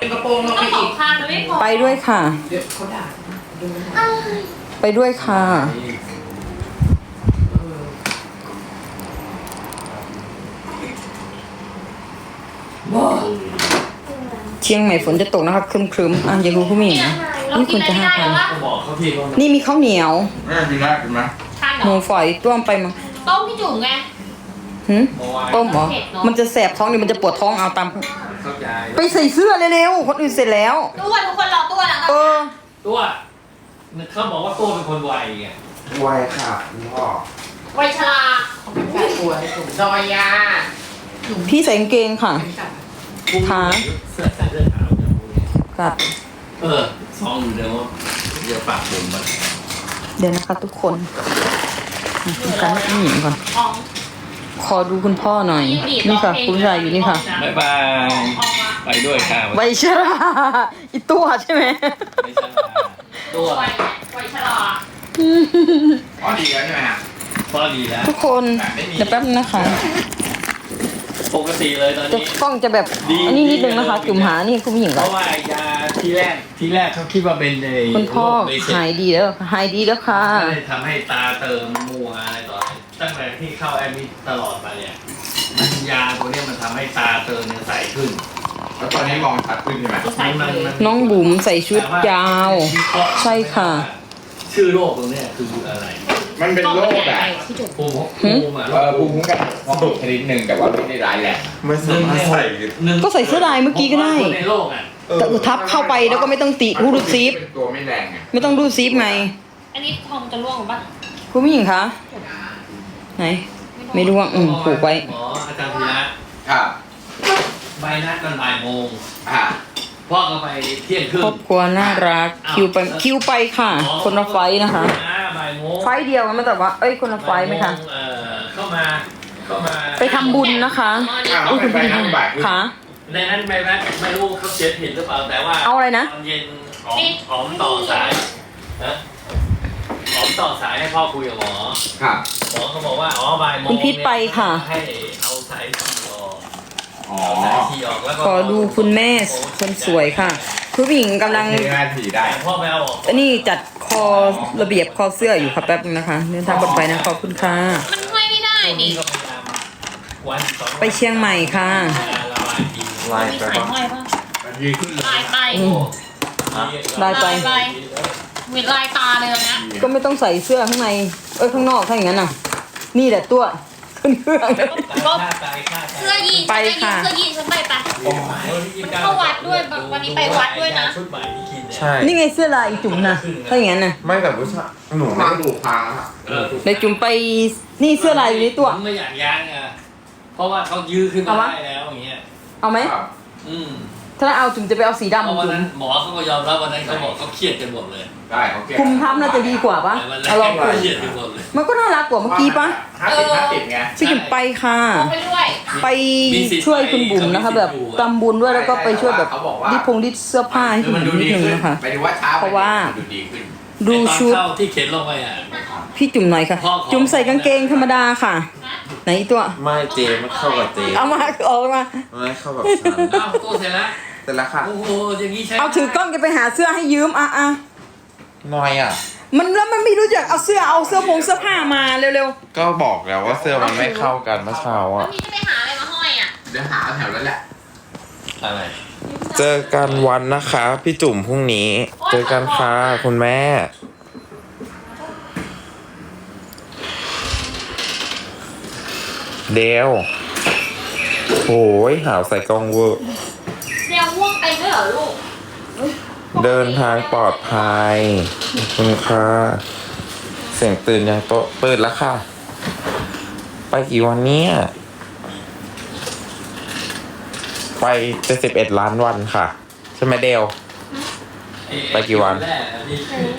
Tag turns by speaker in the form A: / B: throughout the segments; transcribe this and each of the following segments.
A: กระโปรงลงไปอีก
B: ข้างมันไม่พอ
C: ไปด้วยค่ะ
A: เดี๋ยวเขาด่าดูนะ
C: ไปด้วยค่ะ เชียงใหม่ฝนจะตกนะคะครึมๆอ่ะอย่ารู้ผู้หญิงนะนี่คุณจะ5,000
D: ก็บอกเขาพี่ว่า
C: นี่มีข้าวเหนียว
E: แม่กินได้กินไหม
B: ข้างเห
C: ห
B: ร
C: มู
B: อ
C: ฝอยต้วมไปมา
B: ต้มพี่จุ๋มไง
C: หืม
D: เมื่อวาน
C: ต้มเหรอ
B: เผ็ดเนอะ
C: มันจะแสบท้องนี่มันจะปวดท้องเอาตาม
D: เข้าใจ
C: ไปใส่เสื้อเร็วๆคนอื่นเสร็จแล้ว
B: ตัวทุกคนรอตัวแล้ว
C: เออ
D: ตัวเขาบอกว่าตัวเป็นคนไวไง
E: ไวค่ะคุณพ่อ
B: ไวชรา
A: แปดตัวให้ผมดอยยา
C: พี่ใส่กางเกงค่ะ ขา
D: เสื้อใส่เสื้อขาวเนี่ย
C: กัด
D: ซองอยู่เดี๋ยวเดี๋ยวปากผมมัน
C: เดี๋ยวนะคะทุกคนการให้ผู้หญิงก่อน
B: ออง
C: ขอดูคุณพ่อหน่อย นี่ค่ะ คุณชายอยู่นี่ค่ะ
D: บ๊ายบาย
B: อองมา
D: ไปด้วยค่ะ
C: ไวชราอีตัวใช่ไหม
D: ไม่ใช่ตัว
B: ไวชรา
E: อ๋อดีแล้วใช่ไหมฮะ
D: พอดีแล้ว
C: ทุกคนเดี๋ยวแป๊บนึงนะคะ
D: ปกติเลยตอน
C: จะ
D: นี้
C: กล้องจะแบบอันนี้นิดนึงนะคะ จุ่มหานี่คุณผู้หญิง
D: เพ
C: ก่อน
D: ราะว่ายาที่แรกเขาคิดว่าเป็นใน
C: คุณพ่อ
D: โรคเบสิก
C: หายดีแล้วหายดีแล้วค่ะ
D: ก็เลยทำให้ตาเติมมัวอะไรต่ออะไรตั้งแต่ที่เข้าแอดมิดตลอดมาเนี่ยมันยาตัวเนี้ยมันทำให้ตาเติมเนี่ยใสขึ้น
E: แล้วตอนนี้มองชัดขึ้นใช่ไหม
B: ใส่เลย
C: น้องบุ๋มใส่ชุดยาว ใช่ค่ะ
D: ชื่อโรคตรงเนี้ยคืออะไร
E: มันเป็นโรคแบบ
B: พี่จุ๋ม
D: ภูมิอ่ะ
E: ภูมิคุ้มกันสนุกชนิดหนึ่งแต่ว่าไม่ได้ร้ายแรงไม่สามารถใส่
C: ก็ใส่เสื้อลายเมื่อกี้ก็ได้
D: ในโลกอ่ะ
C: แต่ทับเข้าไปแล้วก็ไม่ต้องติรูดซิป
E: เป็นตัวไม่แรงไง
C: ไม่ต้องรูดซิปไง
B: อันนี้ทองจะร่วงหรือเปล่า
C: คุณผู้หญิงคะไหน ไม่ร่วงผูกไว้
D: หมออาจารย์พีระ
E: ครับ
D: ใบนัดกันบ่ายโมง
E: อ่า
D: พ่อก็ไปเที่ยงครึ่ง
C: ครอบครัวน่ารักคิวไปค่ะ คนละไฟล์นะคะ
D: บ่ายโมง
C: ไฟล์เดียวกันไหมแต่ว่าเอ้ยคนละไฟล์ไหมคะ
D: เข้ามา
C: ไปทำบุญนะคะ
E: อ้าวเป็นไปนั่งบ่าย
C: ค่ะ
D: ในนั้นใบนัดไม่รู้เขาเขียนผิดหรือเปล่าแต่ว่า
C: เอาอะไรนะ
D: ตอนเย็นหอมต่อสายนะหอมต่อสายให้พ่อคุยกับหมอ
E: ครับ
D: หมอเขาบอกว่าบ่ายโมง
C: คุณพิษไปค่ะ
D: ให้เอาสายทีออก
E: อ๋อ
D: เอาสายทีออกแล้วก็
C: ขอดูคุณแม่คนสวยค่ะ คุณผู้หญิงกำลัง
E: ที่หน้าถีได้
D: แต่พ่อไม่เอาออก
C: อันนี้จัดคอระเบียบคอเสื้ออยู่ค่ะแป๊บนึงนะคะเดินทางปลอดภัยนะขอบคุณค่ะ
B: มันห้อยไม่ได้
D: ช่วง
B: ดิ
D: นี้ก็พยายามวันสองวัน
C: ไปเชียงใหม่ค่ะ
D: ละลายที
E: ลาย
B: มี
E: ไป
B: สาย
E: ปะ
B: ห้อยป่ะ
E: มันดีขึ้นเลย
B: ลายไป
C: ได้ไป
B: เหมือนลายตาเลยตรงเนี้ย
C: ก็ไม่ต้องใส่เสื้อข้างในข้างนอกถ้าอย่างนั้นน่ะ นี่แหละตัวขึ้นเครื่อง
B: เสื้อยีน
C: ไปค่ะ
B: เสื้อยีนฉันไปปะ มันเข้าวัดด้วยวันนี้ไปวัดด้วยนะ
D: ชุดใหม่ที่กินเนี่ย
E: ใช่
C: นี่ไงเสื้อลายจุ่มนะถ้าอย่างนั้นน่ะ
E: ไม่แต่ผู้ชายหนูไม่ดูพังครับ
C: เดี๋ยวจุ่มไปนี่เสื้อลายอยู่ในตัว
D: ผมไม่อยากย้างอ่ะเพราะว่าเขายื้อขึ้นมา
C: เอาวะ
D: ได้แล้วอย่างเงี้ย
C: เอาไหม
E: ครับ
D: อืม
C: ถ้าเอาจุ่มจะไปเอาสี
D: เพ
C: ดำ
D: ราะวัน
C: จุ่ม
D: นั้นหมอเขาก็ยอมรับวันนั้นเขาบอกเขาเครียดกันหมดเลย
E: ได้โอเค
C: คุมทับน่าจะดีกว่าปะ
D: แต่วันแร
C: เอาลอง
D: ก
C: คุม
D: เครียดกันหมดเลย
C: มันก็น่ารักกว่าเมื่อกี้ปะ
E: 50-50ไง
C: พี่จุ่มไปค่ะ
B: เอาไปด้วย
C: ไปช่วยคุณบุ๋มนะคะ แบบทำบุญด้วยแล้วก็ไปช่วยแบบดิเสื้อผ้าให้
E: คื
C: คุ
E: อ
C: ณ
E: มัน
C: บุ๋
E: ดู
C: มนิ
E: ดี
C: ดนึง
E: ขึ้น
C: นะคะ
E: หมายถึงว่าช้า
C: เพราะว่า
E: ดูดีขึ้น
C: ดูชุด
D: ไอ้ตอนเข้าที่เข็นลงไปอ่ะ
C: พี่จุ่มหน่อยค่ะ จุ่มใส่กางเกงธรรมดาค่ะ ไหนอีตัว
F: ไม่เจมันเข้ากับเจ
C: เอามาออกมา
F: ไม่เข้ากับฉัน
D: อ้าวตัวเสร็จแล้ว
F: เสร็จแล้วค่ะ
D: โอ้โหอย่างนี้ใช่
C: เอาถือกล้องจะไปหาเสื้อให้ยืมอ่ะ
F: น้อยอ่ะ
C: มันแล้วมันไม่รู้จักเอาเสื้อผ้ามาเร็ว
F: ก็บอกแล้วว่าเสื้อมันไม่เข้ากันเมื่อเช้า
B: วั
F: อ่ะ
B: นนี้จะไปหาอะไรมาห้อยอ่ะ
E: เดี๋ยวหาแถวแล้วแหละ
D: อะไร
F: เจอกันวันนะคะ พี่จุ๋มพรุ่งนี้ เจอกันค่ะคุณแม่ เดวโอ้ยหาวใส่กล้องเวอร์
B: แนวม่วงไปด้วยเหรอลูก
F: เดินทางปลอดภัยขอบคุณค่ะเสียงตื่นยังโตะตื่นแล้วค่ะ ไปกี่วันเนี้ยไป71 ล้านวันค่ะ ใช่ไหมเดว ไปกี่วัน
D: แรกอันนี้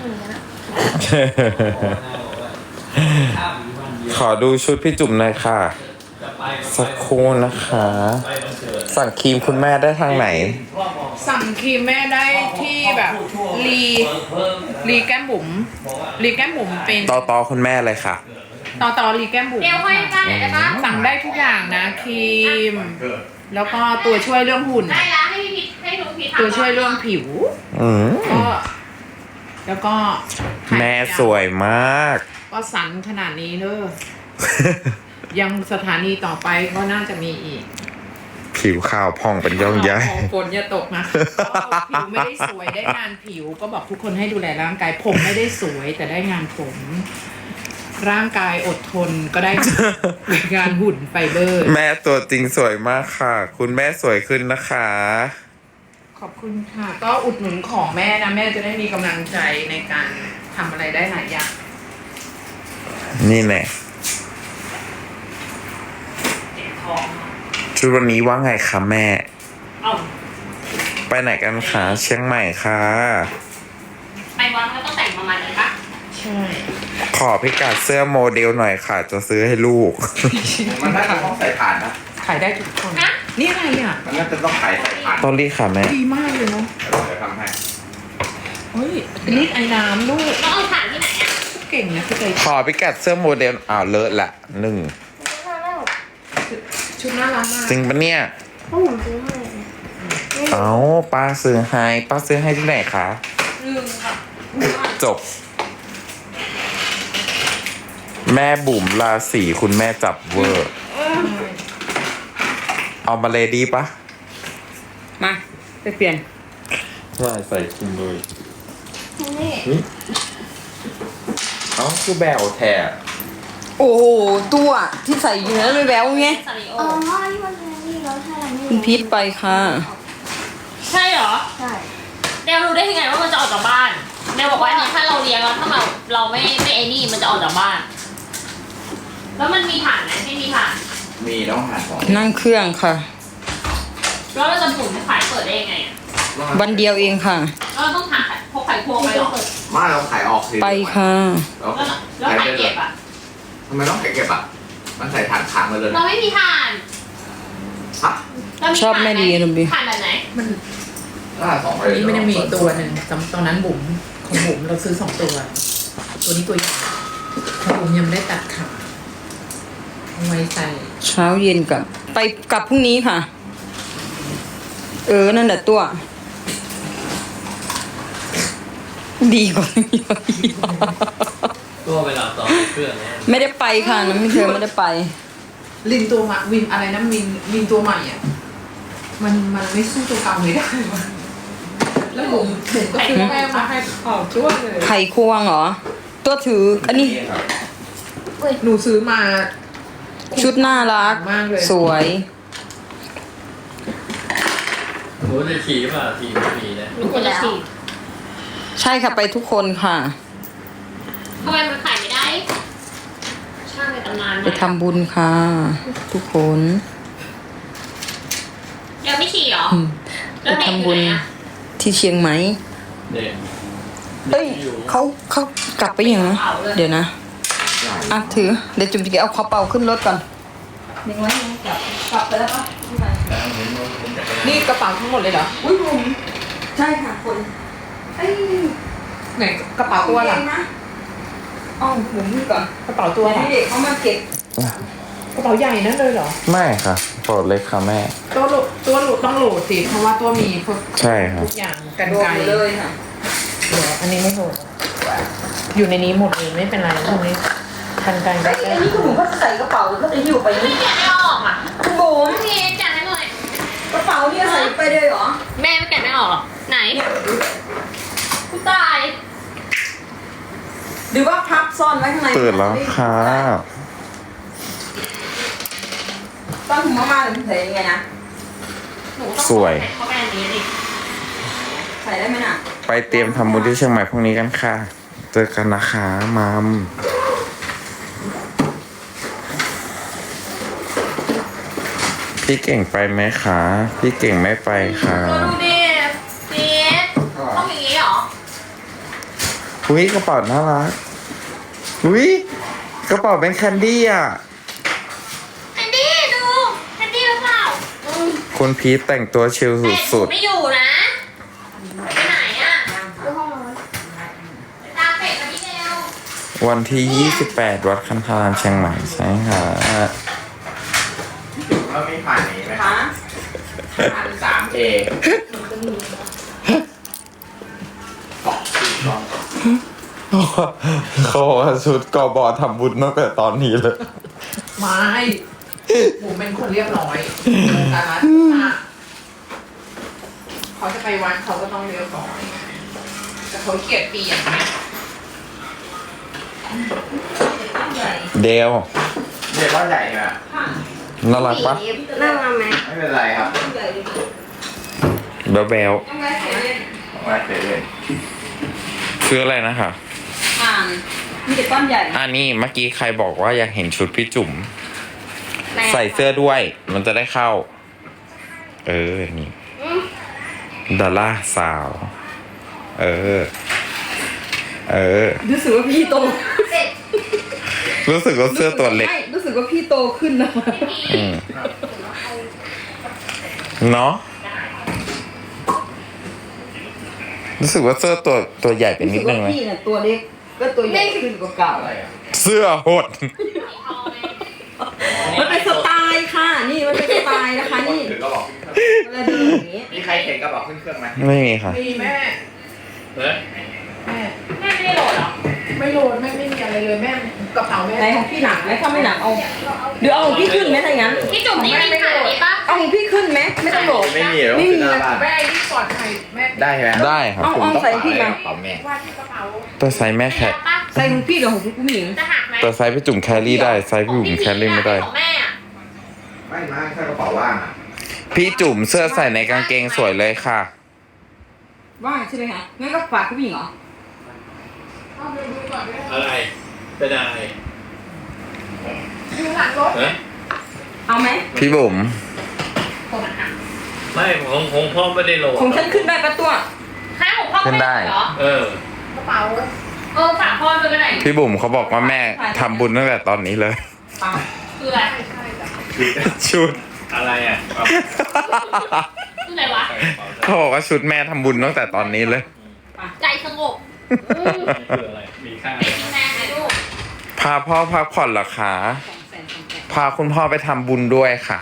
F: ขอดูชุดพี่จุ๋มหน่อยค่ะ
D: จะไป
F: สักครู่นะคะ
D: ไปวันเกิด
F: สั่งครีมคุณแม่ได้ทางไหน
A: สั่งครีมแม่ได้ที่แบบรีแก้มบุ๋มรีแก้มบุ๋มเป็น
F: ต่อคุณแม่เลยค่ะ
A: ต่อรีแก้มบุ๋ม
B: เดี๋ยวห้อยได้ได้ปะ
A: สั่งได้ทุกอย่างนะครีม แล้วก็ตัวช่วยเรื่องหุ่น
B: ได้แล้วให้พี่พิษให้ทุกที
A: ตัวช่วยเรื่องผิว
F: อืม
A: ก็แล้วก็
F: แม่สวยมาก
A: ก็สันขนาดนี้เนอะ ยังสถานีต่อไปก็น่าจะมีอีก
F: ผิวขาวผ่องเป็นย่องย้าย
A: ของฝนอย่าตกนะก็ผิวไม่ได้สวยได้งานผิวก็บอกทุกคนให้ดูแลร่างกายผมไม่ได้สวยแต่ได้งานผม ร่างกายอดทนก็ได้ งานหุ่นไฟเบอร์
F: แม่ตัวจริงสวยมากค่ะ คุณแม่สวยขึ้นนะคะ
A: ขอบคุณค่ะ ก็อุดหนุนของแม่นะ แม่จะได้มีกำลังใจในการทำอะไรได้หลายอย่าง
F: นี่แน่
B: เจ็บท้อง
F: ชุดวันนี้ว่าไงคะแม่
B: เอ้า
F: ไปไหนกันคะเชียงใหม่ค่ะ
B: ไปวัดก็ต้องแต่งประมาณนี้ปะ
A: ใช่
F: ขอพิกัดเสื้อโมเดลหน่อยค่ะ จะซื้อให้ลูก
E: มันน่าจะต้องใส่ถ่านนะ
A: ขายได้ทุกคน นี่อะไรอ่ะ
E: มันน่าจะต้องใส่ถ่าน
F: ต้นรีค่ะแม่
A: ดีมากเลยเนาะ
E: เดี๋ยวทำให้
A: เฮ้ยรีดไอ้น้ำลูก
B: ต้องเอาถ่านที่ไหนอ่ะ
A: เก่งนะพี่เตย
F: ขอพิกัดเสื้อโมเดลอ้าวเลอะละหนึ่ง
A: ชุดน่ารักมาก
F: จริงปะเนี่ย
G: ก็ผมซื้อให้
F: เอาป้าซื้อให้ป้าซื้อให้ที่ไหนคะ
B: ลืมค่ะ
F: จบ แม่บุ๋มราศีคุณแม่จับเวอร์ เอามาเลยดีปะ
C: มาไปเปลี่ยน
F: ว่าใส่คุมเลย
G: นี่
F: เอ้าคือแบวแท้
C: โอ้โหตัวที่ใส่อยู่นั้นไม่แววไง
B: ซาริโอ
G: อ๋อที่มันเป็นนี่แล้วใช่ไหม
C: คุณพีทไปค่ะ
B: ใช่เหรอ
G: ใช่
B: เดวรู้ได้ยังไงว่ามันจะออกจากบ้านเดวบอกว่าเนี่ยถ้าเราเลี้ยงแล้วถ้าเราไม่ไอ้นี่มันจะออกจากบ้าน แล้วมันมีถ่านไหมไม่มีถ่าน
E: มีต้องหั่นของ
C: นั่งเครื่องค่ะ
B: แล้วเราจะหมุนขายเปิดได้ยังไงอ่ะ
C: วันเดียวเองค่ะ
B: แล้วเราต้องหาพกไข่ควงไปหรอ
E: มาเราขายออกสิ
C: ไปค่ะ
E: แล้ว
B: แล้วไข่เก็บอ่ะ
E: ทำไมต้องขายเก็บอ่ะ มันใส่ถ่านค้างมาเลย
B: เราไม่มีถ่าน
E: ฮะ
B: เรา
C: ชอบแม่ดีลุงบี
B: ถ่านแบบไหน
A: มัน
E: ถ้าสอง
A: อันนี้มันยังมีอีกตัวหนึ่งตอนนั้นบุ๋มของบุ๋มเราซื้อ2 ตัว ตัวนี้ตัวใหญ่ของบุ๋มยังไม่ได้ตัดขาเอาไว้ใส่
C: เช้าเย็นกับไปกลับพรุ่งนี้ค่ะ นั่นแหละตัว ดีกว่า
D: ตัวเวลาต่อเครื่องเนี่ย
C: ไม่ได้ไปค่ะน้ำไม่เธอไม่ได้ไป
A: ลินตัวใหม่วินอะไรนะวินตัวใหม่อ่ะมันไม่สู้ตัวเก่าไม่ได้วะแล้วบุ๋มก็ซื้อแป้งมาให้ออกช่วยเลย
C: ไข่ควงเหรอ ตัวถือ อันนี้
A: หนูซื้อมา
C: ชุดน่ารัก
A: มากเลย
C: สวย
D: หนูจะขี่ป่ะขี่ไม่มีนะ
B: หนูควรจะฉีด
C: ใช่ค่ะไปทุกคนค่ะ
B: ทำไมมันขายไม่ได้ ช่างในตำนาน
C: ไปทำบุญค่ะ ทุกคน
B: เดี๋ยวไม่ฉีดเหรอ
C: อืม
B: แล้ว
C: ไป
B: เด็ก
C: ทำ
B: อยู่
C: บุญ
B: ไหนอะ
C: ที่เชียงใหม่
D: เด็ก
C: เอ้ยเขากลับไปยังนะเดี๋ยวนะอ่ะถือเดี๋ยวจุ๋มจะเอากระเป๋าขึ้นรถก่อนยังไงกลับไปแล้วปะ
A: นี่กระเป๋าทั้งหมดเลยเหรอ
C: อุ้ยผมใช่ค่ะคนเอ้ย
A: ไหนกระเป๋าตัวล่ะ
C: นะอ๋อผมนี่ก่อน
A: กระเป๋าตัว
C: ให้
A: ล่ะ
C: เด็กเขามาเก็บ
A: กระเป๋าใหญ่นั่นเลยเหรอ
F: ไม่ค่ะโปรดเลยค่ะแม่
A: ตัวโหลดต้องโหลดสิเพราะว่าตัวมีพวก
F: ใช่ครับ
A: ทุกอย่างกัน
C: รว
A: ไก
C: ม
A: ล
C: เลยค่ะ
A: เดี๋ยวอันนี้ไม่โหลดอยู่ในนี้หมดเลยไม่เป็นไรพวกนี้กันไกลได้
C: ไอ้นี่คุณหนูก็ใส่กระเป๋าแล้วก็จะหิ้วไป
B: ไม่
C: นี่
B: แกะไม่ออกอ่ะ
C: คุณบุ๋ม
B: พี่แกะให้หน่อย
C: กระเป๋าเนี่ยใส่ไปเลยเหรอ
B: แม่ไม่แกะไม่ออกหรอไหนกูตาย
C: หรือว่าพับซ่อนไว้ข้างใน
F: เปิดแล้วค่ะ
C: ตอนถุงมาหรือใส่ยังไงนะ
B: หนูต้อง
F: สวย
B: เข้าไปอันนี้ดิ
C: ใส่ได้ไหมน่ะ
F: ไปเตรียมทำบุญที่เชียงใหม่พรุ่งนี้กันค่ะ เจอกันนะคะมัมพี่เก่งไปไหมคะ พี่เก่งไม่ไปค่ะ
B: ตัวดูดิซีดต้องอย่างนี้เหรอ
F: อุ้ยกระเป๋าน่ารักอุ้ยกระเป๋าเป็นแคนดี้อ่ะ
B: แอนดี้ดูแอนดี้หรือเปล่า
F: คุณพีทแต่งตัวชิล
B: แต่ห
F: สุ
B: นู
F: ด
B: ไม่อยู่นะไปไหนอ่ะ
G: คือห้องนอน
B: ไปตามเป็ดมาที่เดียว
F: ๆวันที่ 28 วัดคันธารามเชียงใหม่ใช่ค่ะ
E: แล้วมีผ่านนี้ไหม
C: คะ
E: ผ่าน 3A
F: เขาบอกว่าชุดกบทำบุญตั้งแต่ตอนนี้เลย
A: ไม่ผมเป็นคนเรียบร้อยแต่ละเขาจะไปวัดเขาก็ต้องเรียบร้อยแต่เขาเกลียดปีอย่างนี้
F: เดล
E: เด็กก้อนใหญ่ใช่ไหม
F: น่ารักปะ
G: น่ารักไหม
E: ไม่เป็นไรครับ
F: แบลแบล
E: เอาไว้เฉย
F: คืออะไรนะคะ
C: อ่านมีแต่ก้อนใหญ่
F: อันนี้เมื่อกี้ใครบอกว่าอยากเห็นชุดพี่จุ๋มใส่เสื้อด้วย มันจะได้เข้า นี่ดาราสาว
C: รู้สึกว่าพี่โต
F: รู้สึกว่าเสื้อตัวเล็ก
C: ไม่รู้สึกว่าพี่โตขึ้นนะ
F: อืมเนาะรู้สึกว่าเสื้อตัวใหญ่ไปนิดนึงไหม
C: พี่เนี่ยตัวเล็กก็ตัวใหญ่ขึ้นกว่าเก่า
F: เสื้อหด
C: มันเป็นสไตล์ค่ะ นี่มันเป็นสไตล์นะคะ
E: ๆ
C: นี่
E: ถือกระบอก
C: เวลาเดินอย่างนี้
E: มีใครเห็นกระบอกขึ้นเครื่องไหม
F: ไม่มีค่ะ
A: มีแม่
D: เฮ้ย
A: แม่
B: แม่ไม่ได้โหลดเหรอ
A: ไม่โหลดแม่ไม่มีอะไรเลยแม่กระเป๋าแม่
C: ไหนของพี่หนักไหมถ้าไม่หนักเอาหรือเอาของพี่ขึ้นไหมถ้าอย่างนั้น
B: พี่จุ๋มนี่มีขายนี้ปะ
C: เอาของพี่ขึ้นไหมไม่ต้องโหลด
E: ไม่มีหรอก
C: ไม่มี
E: ขึ้นหน้าบ้าน
A: แม่ที่ปลอดภัยแม่
E: ได้ใช่ไหม
F: ได้ครับ
C: เอาเอาใส่พี่มา
E: กระเป๋าแม่
A: ว่าที่กระเป๋า
F: ตัวไซส์แม่แค
B: ปะ
C: ใส่ของพี่หรือของผู้หญิง
B: จะหักไหม
F: ตัวไซส์พี่จุ่มแครี่ได้ไซส์พี่จุ่มแครี่ไม่ได้
B: ของแม่อะ
E: ไม่มาแค่กระเป๋าว่างอ่ะ
F: พี่จุ่มเสื้อใส่ในกางเกงสวยเลยค่ะ
C: ว่างใช่ไหมคะงั้นก็ฝากผู้หญิงเหรอ
A: เอาไปดูก่อนด้วย
D: อะไรเป็นอะไร
A: ดูหลังรถ
D: เฮ้ย
C: เอาไหม
F: พี่บุ๋ม
D: ไม่ของพ่อไม่ได้โหลด
C: ของฉันขึ้นได้ปะตัว
B: ใครของพ่อก็ไม่เหรอ
D: เออก
A: ระเป๋า
B: ฝากพ่อด้วยก็ได้
F: พี่บุ๋มเขาบอกว่าแม่ทำบุญตั้งแต่ตอนนี้เลย
B: คืออะไร
A: ใช่จ้ะ
F: ชุด
D: อะไรอ่ะ
B: คืออะไรวะ
F: เขาบอกว่าชุดแม่ทำบุญตั้งแต่ตอนนี้เลย
B: ใจสงบ
D: คืออะไรมีค่า
B: เป็นแม่ไหมลูก
F: พาพ่อพักผ่อนเหรอคะพาคุณพ่อไปทำบุญด้วยค่ะ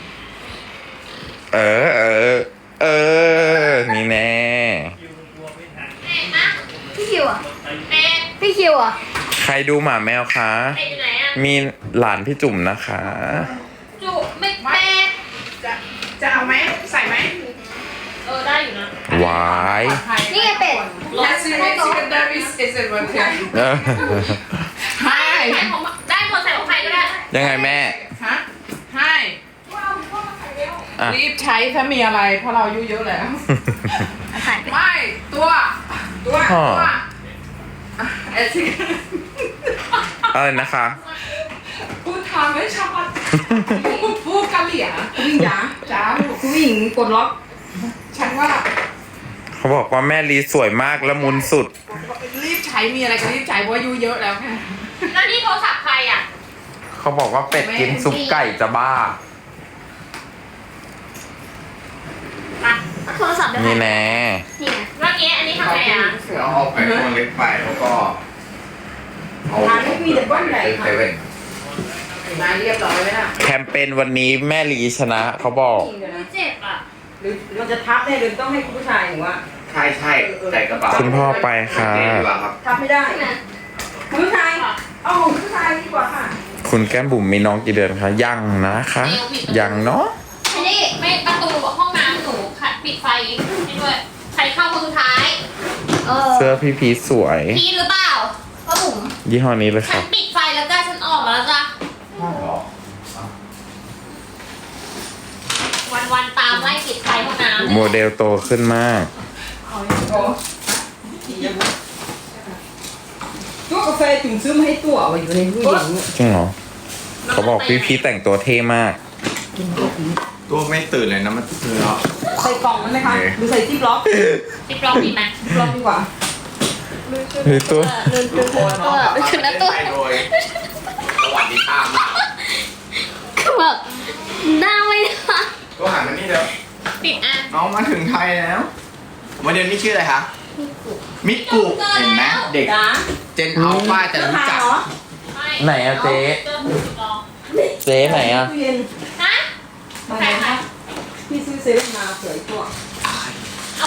F: นี่แน่
B: แม่นะ
G: พี่คิวอ่ะ
B: แม่
G: พี่คิวอ่ะ
F: ใครดูหมาแมวคะ
B: แม่อยู่ไหนอะ
F: มีหลานพี่จุ๋มนะคะ
B: จุไม่แม่
A: จะเอาไหมใส่ไหม
B: ได้อยู่นะ
F: วาย
G: นี่ไงเป็ด
A: Secondary is it okay
F: เออ
A: Hi
B: ใส่ของได้หมดใส่ของใครก็ได้
F: ยังไงแม่
A: ฮะ Hi
F: อ่ะ
A: รีบใช้ถ้ามีอะไรเพราะเราอายุเยอะแล้ว ไม่ตัวอ่ะเอซิ
F: อะไรนะคะ
A: พูดทางไม่ชัดพูดกะเหลี่ย
C: ผู้หญิงจ๋า
A: จ้า
C: ผู้หญิงกดล็อก
A: ฉันว่า
F: เขาบอกว่าแม่ลีสวยมากและมุนสุด
A: รีบใช้มีอะไรก็รีบใช้เพราะอายุเยอะแล้วค่ะ
B: แล้วนี่โทรศัพท์ใครอ่ะ
F: เขาบอกว่าเป็ดกินซุปไก่จะบ้า
G: โทรศัพท์ได้ไหม
F: นี่แน่
G: นี่ไง
B: เมื่อกี้อันนี้ทำไงอ่ะ
E: เราเอาไปตัวเล็กไปแล้วก็เอา
C: ร้านนี้มีแต่ก้อนใหญ่ค่ะ
E: เซเว่น
A: มาเรียบร้อยไหมล่ะ
F: แคมเปญวันนี้แม่ลีชนะเขาบอก
C: ผู้หญิงเดี๋ยวนะ
B: เจ็บอ่ะ
C: หรือมันจะทับได้หรือต้องให้คุณผู้ชายหรือว่า
E: ใช่ใช่ใส่กระเป๋า
F: คุณพ่อไปค่ะ
E: เจ๊ดีกว่าครับ
C: ทับไม่ได้คุณผู้ชายเอาของผู้ชายดีกว่าค่ะ
F: คุณแก้มบุ๋มมีน้องกี่เดือนคะยังนะคะยังเนาะ
B: อันนี้ไม่ประตูห้องน้ำหนูปิดไฟให้ด้วย ใครเข้าคนสุดท้าย
F: เสื้อพี่พีชสวย
B: พีทหรือเปล่า
G: พ่อบุ๋ม
F: ยี่ห้อนี้เลยค
B: ฉั
F: รั
B: น
F: บ
B: ปิดไฟแล้วจ้าฉันออกมาแล้วจ้าวันๆตามไล่ปิดไฟห้องน้ำ
F: โมเดลโตขึ้นมาก
C: ตัวกาแฟจุ่มซื้อมาให้ตัวเอาไว้อยู่ในตู้เย็นเนี่ย
F: จริงเหรอ เขาบอกพี่พีชแต่งตัวเท่มาก
E: ตัวไม่ตื่นเลยนะมันตื่นแล้ว
C: ใส่กล่องนั้นไหมคะหรือใส่ที่บล็อก
B: ปิดล็อกดีไหม
C: บล็อกดีกว่า
F: พี่ตัว
G: คือนะตัว
E: โดยสวัสดีค่ะมาก
G: คือแบบหน้าไม่ได้
E: ตัวหันมานี่เดี๋ยว
B: ปิดอ่ะ
E: น้องมาถึงไทยแล้ววันเดือนนี้ชื่ออะไรคะมิกุเห็นไหมเด็ก
C: จ้า
E: เจนอัลฟาจะรู้จัก
C: เหรอ
F: ไหนอะเจ๊
B: เจอผู้ปิดล็อก
F: เจ๊ไหนอะ
C: ตู้เย็น
B: ฮะ
C: มาไหนคะพี่ซื้อเซเว่นมาเผื่ออีกตัว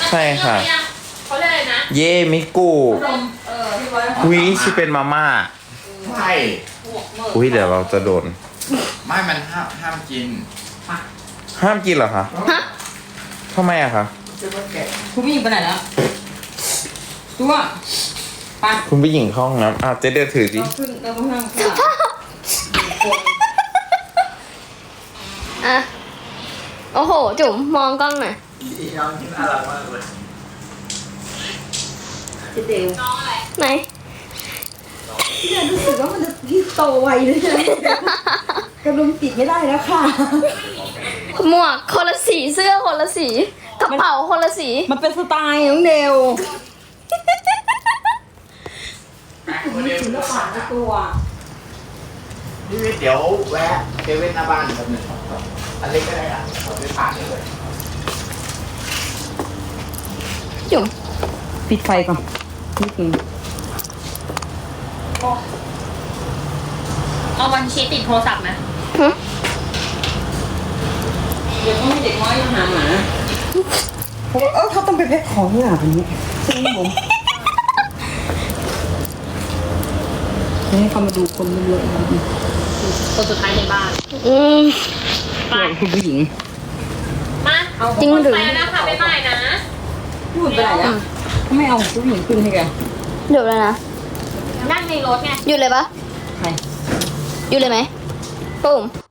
F: ใช่ค่ะ
B: เขาเรียกอะไรนะ
F: เย่มิกุ
C: ที่ไว้
F: อุ้ยชื่อเป็นมาม่า
E: ใช่
F: อุ้ยเดี๋ยวเราจะโดน
E: ไม่มันห้ามกิน
F: ห้ามกินเหรอคะ
G: ฮะ
F: ทำไมอะคะ
C: คุณผู้หญิงไปไหนแล้วตัวไป
F: คุณผู้หญิงเข้าห้องน้ำอ่ะเจ๊เดือถือสิ
C: เราขึ้นเราต้องนั่งข้าง
G: อ่ะ โอ้โห จุ๋มมองกล้องหน่อย
E: น้องน่ารักมากเลย
C: จะเดว
B: น้องอะไร
G: ไหน
C: เนี่ยรู้สึกว่ามันจะพี่โตไวเลยนะกระดุมติดไม่ได้แล้วค่ะ
G: หมวกคนละสีเสื้อคนละสีกระเป๋าคนละสี
C: มันเป็นสไตล์น้องเดว
E: วันเดียว
C: ศิลปะในตัว
E: พี่วิทย์เดี๋ยวแวะเซเว่นหน้าบ้านแป๊บนึงอันเล็กก็ได้อ่ะขอไปผ่านเลย
G: จุ๋ม
C: ปิดไฟก่อนนิดนึง
B: เอาวันชีติดโทรศัพท์ไหม
G: หึ
C: เดี๋ยวต้องให้เด็กน้อยมาหาหมาเพราะว่าเขาต้องไปแพ็คของนี่หว่าวันนี้ใช่ไหมผมให้เขามาดูคนเยอะๆ
B: คนสุดท้ายในบ้าน
G: อืม
B: ไป
C: คุณผู้หญิง
B: มา
G: จริงหรือ
B: ไปแล้วนะคะบ๊ายบายนะ
C: พูดไปไหนอ่ะไม่เอาผู้หญิงขึ้นให้แก
G: หยุดเลยนะ
B: นั่งในรถไง
G: หยุดเลยปะ
C: ใคร
G: หยุดเลยไหมปุ้ม